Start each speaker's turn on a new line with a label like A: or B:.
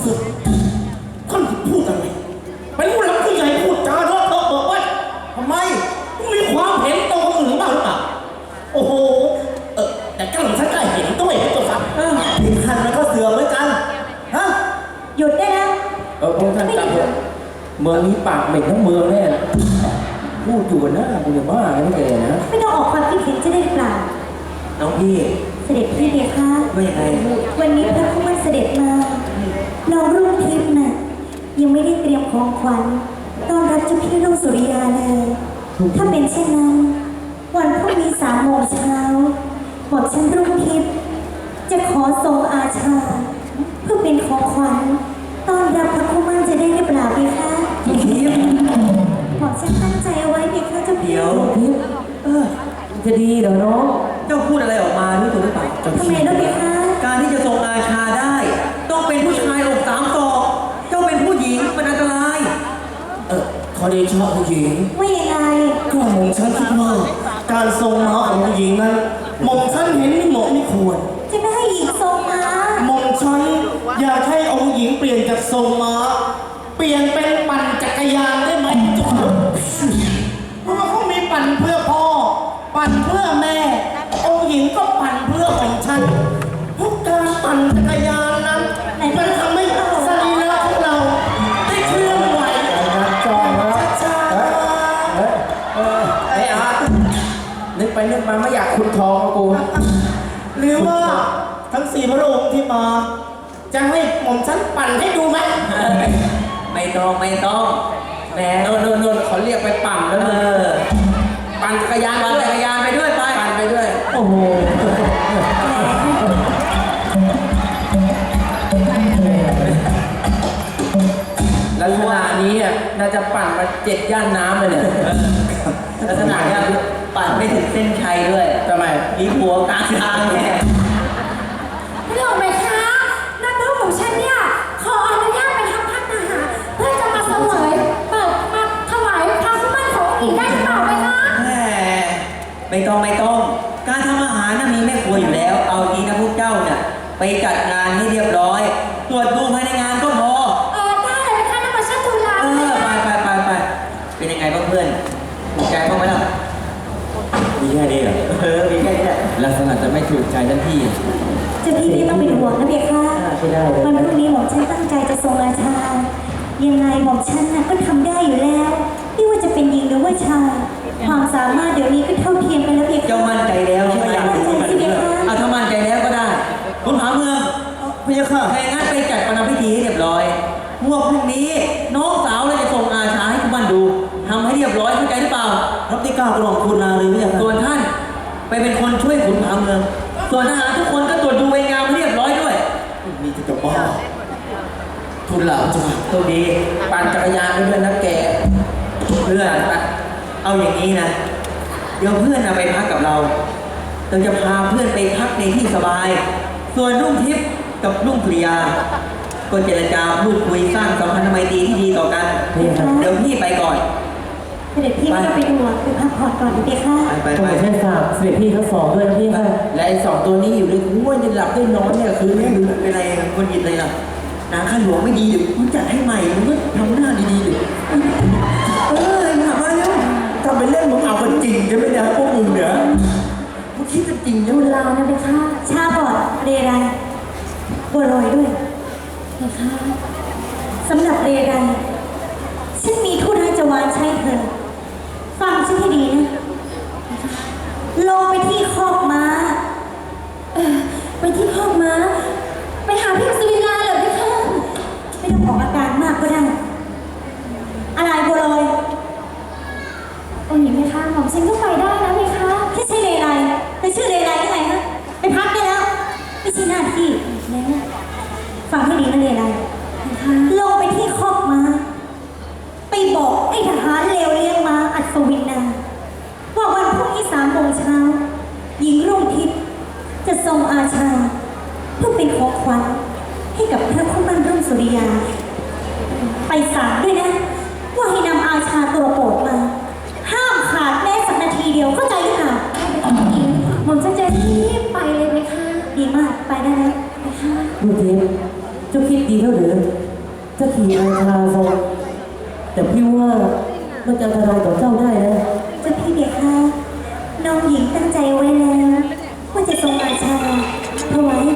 A: ศึกท่านพูดอะไรเป็นผู้หลักผู้ใหญ่พูดจาเลอะเทอะเบิกว่าทำไมมีความเห็นตรงคนอื่นบ้างหรือเปล่าโอ้โหแต่กระหล่ำฉันก็เห็นด้วยนะตัวครับผิดคันมันก็เสือเหมือนกันฮะ
B: หยุดได้แล้ว
C: พวกท่านจับเมืองนี้ปากเหม็นทั้งเมืองแน่พูดอยู่นะกูจะบ้าไม่แกนะ
B: ไม่ต้องออกความคิดเห็นจะได้หรือเปล่า
C: น้องพี่
B: เสด็จพี่เบียร์คะ
C: ว่าอย่างไร
B: วันนี้พระผู้มั่นเสด็จมาน้องรุ่งทิพย์น่ะยังไม่ได้เตรียมของขวัญต้อนรับเจ้าพี่รุ่งสุริยาเลยถ้าเป็นเช่นนั้นวันพรุ่งนี้3 โมงเช้าหม่อมฉันรุ่งทิพย์จะขอทรงอาชาเพื่อเป็นของขวัญต้อนรับพระผู้มั่นจะได้หรือเปล่าพี่คะ
C: ทิพย์
B: หม่อมฉันตั้งใจเอาไว้พี่คะเจ้าพี่
C: เดี๋ยวทิพย์จะดีเหรอน้องเจ้าพูดอะไรออกมารู้ตัวหรือเปล่า
B: ทำไมล่ะพี่คะ
C: การที่จะทรงอาชาได้ต้องเป็นผู้ชายอก3 ศอกเจ้าเป็นผู้หญิงมันอันตราย
A: ขอเดชะผู้หญิง
B: ว่ายังไง
A: ก็หม่อมฉันคิดว่าการทรงม้าของผู้หญิงนั้นหม่อมฉันเห็นไม่เหมาะไม่ควร
B: จะไม่ให้หญิงทรงม้า
A: หม่อมฉันอยากให้องค์หญิงเปลี่ยนจากทรงม้าเปลี่ยนเป็นปั่นจักรยานได้ไหมจุ๊บเพราะว่าเขามีปั่นเพื่อพ่อปั่นเพื่อแม่องค์หญิงก็ปั่นเพื่อของฉันพวกการปั่นจักรยานนั้นมันทำให้สรีระของเราได้เคลื่อนไหวช้า
C: ไอ้อานึกไปนึกมาไม่อยากขุดทองกู
A: หรือว่าทั้ง4 พระองค์ที่มาจะให้หม่อมฉันปั่นให้ดูไหม
C: ไม่ต้องแหมโน่นเขาเรียกไปปั่นแล้วปั่นจักรยานไปด้วยปั่นไปด้วยโอ้โหลักษณะนี้น่าจะปั่นมา7 ย่านน้ำเลยเนี่ยลักษณะนี้ปั่นไม่ถึงเส้นชัยด้วยทำไมมีหัวกลางทางแน่
B: ไม่หรอกไหมคะนักรบของฉันเนี่ยขออนุญาตไปทำพัฒนาหารเพื่อจะมาเสวยมาถวายพระผู้มั่นของอีกได้หรือเปล่าไหมคะ
C: ไม่ต้องการทำอาหารน่ะมีแม่ครัวอยู่แล้วเอาทีนะพวกเจ้าเนี่ยไปจัดงานให้เรียบร้อยตรวจดูภายในงานก็พอ
B: ได้เลยค่ะน้ำมันชัดทุลา
C: ไปเป็นยังไงบ้างเพื่อนถูกใจบ้างไหมล่ะมีแค่นี้เหรอมีแค่นี้แหละลักษณะจะไม่ถูกใจท่านพี่
B: เจ้าพี่ไม่ต้องเป็นห่วงนะเบียร์ค่ะวันพรุ่งนี้หม่อมฉันตั้งใจจะทรงราชายังไงหม่อมฉันก็ทำได้อยู่แล้วไม่ว่าจะเป็นหญิงหรือว่าชายความสามารถเดี๋ยวนี้ก็เท่าเทียมกันแล้วเบียร์ค่ะ
C: เจ้ามั่นใจแล้วใช่ไหมถ้ามั่นใจแล้วก็ได้คุณผาเมืองพี่ค่ะแค่งั้นไปจัดประนามพิธีให้เรียบร้อยพวกพรุ่งนี้น้องสาวเลยจะส่งอาชาให้คุณบ้านดูทำให้เรียบร้อยเข้าใจหรือเปล่ารับที่ก้าวกระหม่อมคุณนาเลยพี่ค่ะส่วนท่านไปเป็นคนช่วยขุนผาเมืองส่วนทหารทุกคนก็ตรวจดูใบงานให้เรียบร้อยด้วย
A: มีจะบ้าทุนหลาจ้ะ
C: ตัวดีปั่นจักรยานไปด้วยนะแกเพื่อนเอาอย่างนี้นะเดี๋ยวเพื่อนไปพักกับเราจะพาเพื่อนไปพักในที่สบายส่วนรุ่งทิพย์กับรุ่งสุริยาก็เจรจาพูดคุยสร้างสัมพันธไมตรีที่ดีต่อกันเดี๋ยวพี่ไปก่อน
B: เสด็จพี่ไม่ต้องไปดูไปพักผ่อนก่อนดีค่ะ
C: ไปแค่3เสด็จพี่ทั้ง2ด้วยนะพี่ค่ะและไอ้2ตัวนี้อยู่ในหัวจะหลับได้นอนเนี่ยคือไม่รู้เป็นอะไรคนยินเลยล่ะนางข้าหลวงไม่ดีหรือคุณจัดให้ใหม่มึงก็ทำหน้าดีๆหรือถามว่าเนี่ยทำเป็นเล่นมึงเอาเป็นจริงใช่ไหมเนี่ยพวกมึงเนี่ยมึงคิดจะจริง
B: ดูลาวนะไปค่ะชาบอดเรไรบัวลอยด้วยนะคะสำหรับเรไรฉันมีธุระจะวานใช้เธอฟังฉันให้ดีนะลงไปที่คอกม้าไปที่คอกม้าไปหาพี่สุริยาเหรอพี่คะไม่ต้องออกอาการมากก็ได้อะไรบัวลอยโอ้ยไหมคะหม่อมฉันก็ไปได้นะไหมคะแค่ใช่เลไรแต่ชื่อเลไรยังไงคะไปพักได้แล้วไม่ใช่หน้าที่นะฟังให้ดีนะเลไรลงไปที่คอกม้าไปบอกไอ้ทหารเลวเลี้ยงม้าอัศวินนาว่าวันพรุ่งนี้3 โมงเช้าหญิงรุ่งทิพย์จะทรงอาชาเพื่อเป็นของขวัญให้กับพระผู้มั่นรุ่งสุริยาไปศาลด้วยนะว่าให้นำอาชาตัวโปรดมาห้ามขาดแม้สักนาทีเดียวเข้าใจหรือเปล่าหม่อมจะรีบไปเลยไหมคะดีมากไปได้แล้วไหมคะ
C: รุ่งทิพย์
D: เจ้าคิดดีแล้วหรือจะขี่ราชาทรงแต่พี่ว่ามันจะอันตรายต่อเจ้าได้นะ
B: เจ้าพี่เบียร์ค่ะน้องหญิงตั้งใจไว้แล้วว่าจะทรงราชาถวาย